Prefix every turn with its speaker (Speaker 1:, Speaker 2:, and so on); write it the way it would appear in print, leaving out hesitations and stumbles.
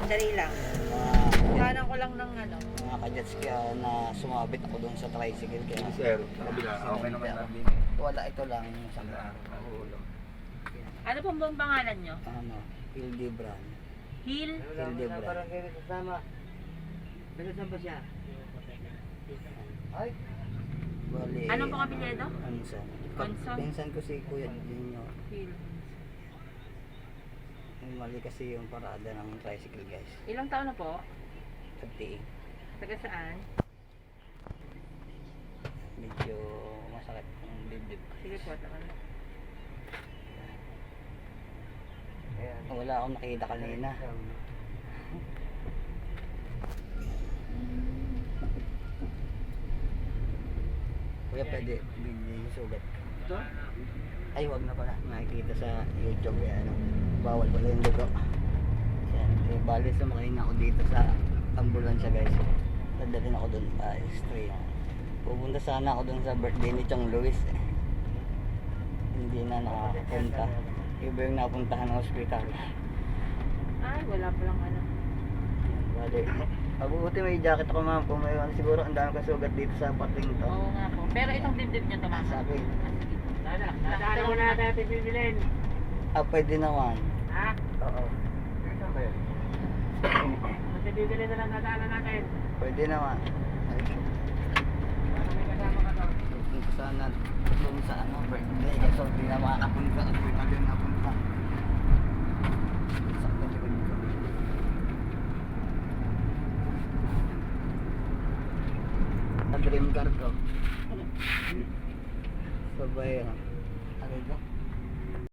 Speaker 1: Dali lang.
Speaker 2: Mga,
Speaker 1: Kanan ko lang ng ano.
Speaker 2: mga kajats kaya na sumabit ako doon sa tricycle kaya
Speaker 3: Sir, sa kabila, okay naman natin.
Speaker 2: wala ito lang sa
Speaker 1: Ano pong buong pangalan nyo?
Speaker 2: ano, Hildebran.
Speaker 1: Hill?
Speaker 2: Hildebran.
Speaker 4: Ay,
Speaker 2: Bali,
Speaker 1: Anong pong apelyido?
Speaker 2: Anson.
Speaker 1: Anson?
Speaker 2: Pinsan ko si Kuya Junior.
Speaker 1: Hill.
Speaker 2: Mali kasi yung parada ng tricycle guys.
Speaker 1: Ilang taon na po?
Speaker 2: 38.
Speaker 1: Taga saan?
Speaker 2: Medyo masakit ang dibdib.
Speaker 1: Sige po, takan.
Speaker 2: Wala akong nakita kanina. Kuya, pwede bigyan yung sugat.
Speaker 4: ito?
Speaker 2: Ay, wag na pala. Nakikita sa YouTube yan. Bawal pala yung dugo. Yan. Eh, bali sumakay na ako dito sa ambulansya guys. Dadalhin ako dun. Stray. Pupunta sana ako dun sa birthday ni Chong Luis. Hindi na nakapunta. Iba yung napuntahan ng hospital.
Speaker 1: Ay, wala palang ano.
Speaker 2: Bali. Mabuti may jacket ako ma'am. Kung may siguro ang dami kasugat dito sa pating to.
Speaker 1: Oo nga po. Pero itong dibdib nyo tumama.
Speaker 2: Sa akin.
Speaker 1: Dadaan mo na natin bibilin.
Speaker 2: Pwede naman.
Speaker 1: Ha?
Speaker 2: Oo.
Speaker 1: Kasi bibili na lang nadaanan natin.
Speaker 2: Pwede naman. Ay,
Speaker 1: Para may kasama ka to.
Speaker 2: punta sana doon sa ano, birthday. Kaso hindi na makakapunta. Hospital din napunta. Sakto likod ko. Sa dream car ko. Sabay, ano ito?